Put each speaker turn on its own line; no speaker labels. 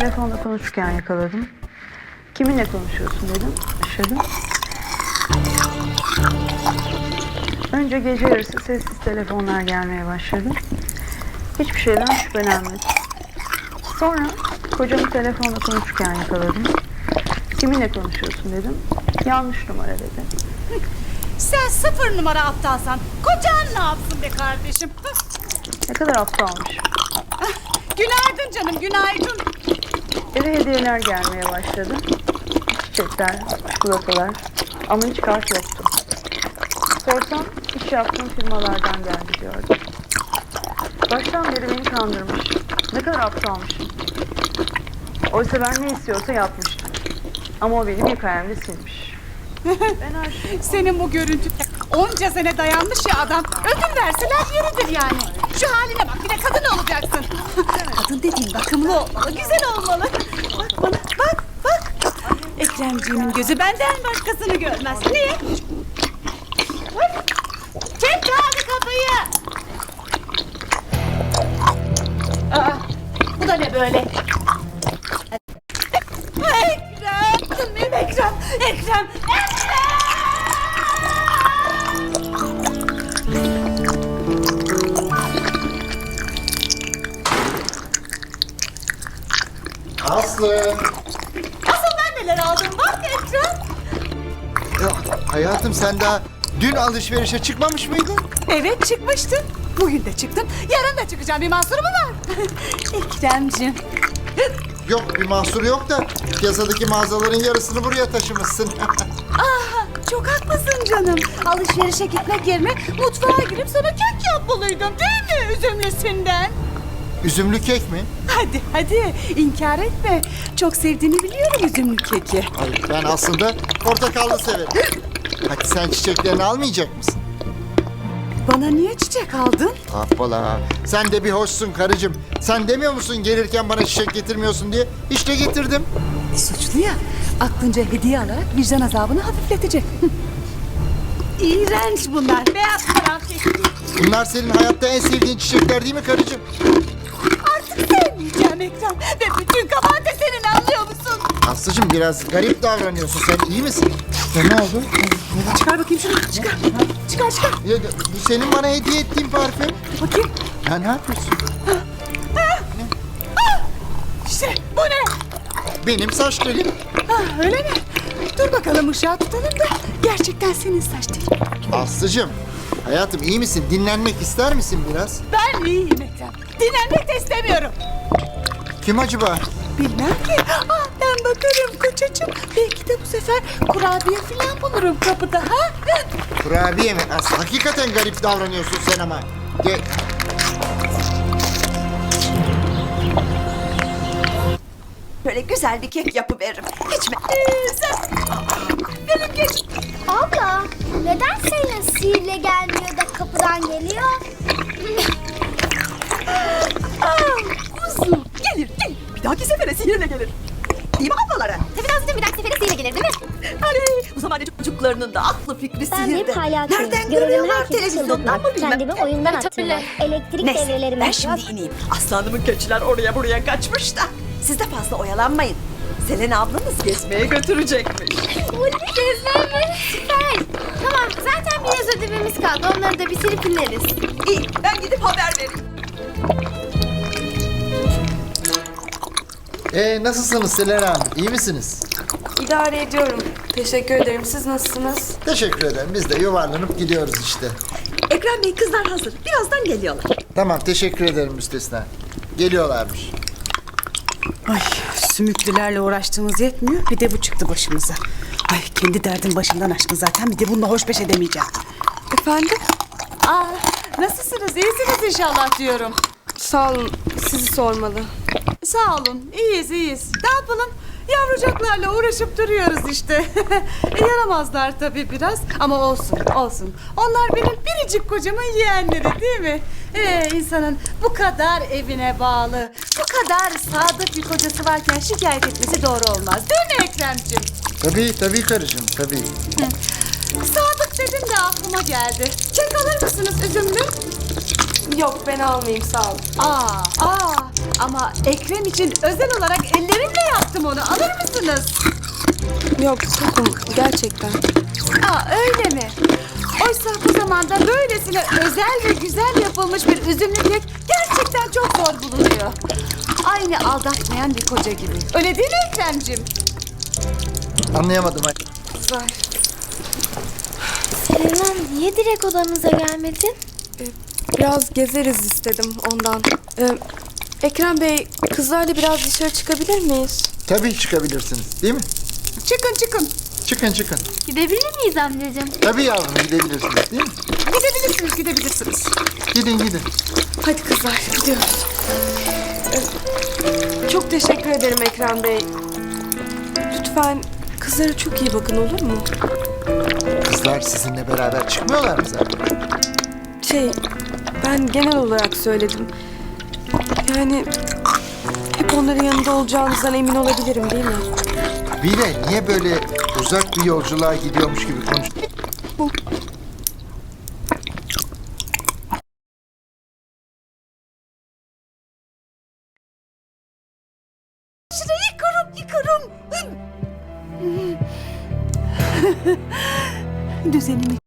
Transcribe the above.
telefonla konuşurken yakaladım. Kiminle konuşuyorsun dedim. Şaşırdım. Önce gece yarısı sessiz telefonlar gelmeye başladı. Hiçbir şeyden şüphelenmedim. Sonra kocamı telefonla konuşurken yakaladım. Kiminle konuşuyorsun dedim. Yanlış numara dedi.
Sen 0 numara aptalsan kocan ne yapsın be kardeşim?
Ne kadar aptalmış.
Günaydın canım, günaydın.
Eve hediyeler gelmeye başladı. Çiçekler, çikolatalar ama hiç kart yoktu. Sorsam iş yaptığım firmalardan geldi diyordu. Baştan beri beni kandırmış. Ne kadar aptalmışım. Oysa ben ne istiyorsa yapmıştım. Ama o benim hikayemde silmiş. Ben her şeyi...
Senin bu görüntü onca sene dayanmış ya adam. Ödül verseler yeridir yani. Şu haline bak, bir de kadın olacaksın. Kadın dediğin bakımlı olmalı, güzel olmalı. Bak bana, bak. Ekremciğimin gözü benden başkasını görmez. Niye? Kim çaldı kapıyı? Aa, bu da ne böyle? Ekrem!
Aslı.
Asıl ben neler aldım bak Ekrem.
Ya, hayatım sen daha dün alışverişe çıkmamış mıydın?
Evet çıkmıştım. Bugün de çıktım. Yarın da çıkacağım. Bir mahsuru mu var? Ekremciğim.
Yok bir mahsuru yok da piyasadaki mağazaların yarısını buraya taşımışsın.
Çok haklısın canım. Alışverişe gitmek yerine mutfağa girip sana kek yapmalıydım değil mi üzümlüsünden?
Üzümlü kek mi?
Hadi inkar etme. Çok sevdiğini biliyorum üzümlü keki.
Hayır ben aslında portakallı severim. Hadi sen çiçeklerini almayacak mısın?
Bana niye çiçek aldın?
Hoppala. Sen de bir hoşsun karıcığım. Sen demiyor musun gelirken bana çiçek getirmiyorsun diye? İşte getirdim.
Suçlu ya. Aklınca hediye alarak vicdan azabını hafifletecek. İğrenç bunlar. Beyaz karanfil.
Bunlar senin hayatta en sevdiğin çiçekler değil mi karıcığım?
Artık sevmeyeceğim Ekrem. Ve bütün kabahat de senin, anlıyor musun?
Aslıcığım biraz garip davranıyorsun. Sen iyi misin? Ya ne oldu?
Çıkar bakayım şunu. Çıkar.
Ya, bu senin bana hediye ettiğin parfüm.
Bakayım.
Ya ne yapıyorsun?
İşte bu ne?
Benim saç telim.
Öyle mi? Dur bakalım ışığa tutalım da gerçekten senin saç telin.
Aslıcığım, hayatım iyi misin? Dinlenmek ister misin biraz?
Ben iyiyim Ekrem. Dinlenmek de istemiyorum.
Kim acaba?
Bilmem ki. Ben bakarım kocacığım. Belki de bu sefer kurabiye falan bulurum kapıda ha?
Kurabiye mi? Aslı hakikaten garip davranıyorsun sen ama. Gel.
Böyle güzel bir kek yapıveririm. İçme.
Benim geç.
Abla, neden senin sihirle gelmiyor da kapıdan geliyor?
Kuzum gelir. Bir dahaki sefere sihirle gelir. Değil mi ablalara?
Tabii lazım, bir dahaki sefere sihirle gelir değil mi?
Hani bu zaman çocuklarının da aklı fikri
Ben
sihirde.
bir palyaçoyum.
Nereden
Görevim
görüyorlar
herkesi
televizyondan mı
çıldırtmak.
bilmem.
Kendimi oyundan attırmak. Elektrik
Neyse
devrelerimi
ben şimdi ineyim. Aslanımın keçiler oraya buraya kaçmış da. Siz de fazla oyalanmayın. Selena ablanız gezmeye götürecekmiş.
Gezmem mi? Süper. Tamam, zaten biraz ödevimiz kaldı. Onları da bitirip ineriz.
İyi ben gidip haber vereyim.
Nasılsınız Selena Hanım? İyi misiniz?
İdare ediyorum. Teşekkür ederim. Siz nasılsınız?
Teşekkür ederim. Biz de yuvarlanıp gidiyoruz işte.
Ekrem Bey kızlar hazır. Birazdan geliyorlar.
Tamam teşekkür ederim müstesna. Geliyorlarmış.
Ay, sümüklülerle uğraştığımız yetmiyor. Bir de bu çıktı başımıza. Ay, kendi derdim başımdan aşkın zaten. Bir de bununla hoşbeş edemeyeceğim.
Efendim?
Nasılsınız? İyisiniz inşallah diyorum.
Sağ olun. Sizi sormalı.
Sağ olun. İyiyiz. Ne yapalım? Yavrucaklarla uğraşıp duruyoruz işte. Yaramazlar tabii biraz ama olsun. Onlar benim biricik kocamın yeğenleri değil mi? İnsanın bu kadar evine bağlı, bu kadar sadık bir kocası varken şikayet etmesi doğru olmaz. Değil mi Ekremciğim?
Tabii karıcığım tabii.
Sadık dedin de aklıma geldi. Kek alır mısınız üzümlü?
Yok ben almayayım sağ olun.
Ama Ekrem için özel olarak elleri aldım onu. Alır mısınız?
Yok tokum gerçekten.
Aa, öyle mi? Oysa bu zamanda böylesine özel ve güzel yapılmış bir üzümlü kek gerçekten çok zor bulunuyor. Aynı aldatmayan bir koca gibi. Öyle değil mi Ekrem'cim?
Anlayamadım.
Kızlar
Selena niye direkt odamıza gelmedin?
biraz gezeriz istedim ondan. Ekrem Bey kızlarla biraz dışarı çıkabilir miyiz?
Tabii çıkabilirsiniz değil mi?
Çıkın çıkın.
Çıkın çıkın.
Gidebilir miyiz amcacığım?
Tabii yavrum gidebilirsiniz değil mi?
Gidebilirsiniz, gidebilirsiniz.
Gidin gidin.
Hadi kızlar gidiyoruz. Çok teşekkür ederim Ekrem Bey. Lütfen kızlara çok iyi bakın olur mu?
Kızlar sizinle beraber çıkmıyorlar mı zaten?
Ben genel olarak söyledim. Yani hep onların yanında olacağınızdan emin olabilirim değil mi?
Bir de niye böyle uzak bir yolculuğa gidiyormuş gibi konuşuyorsun?
Yıkarım. Düzenimi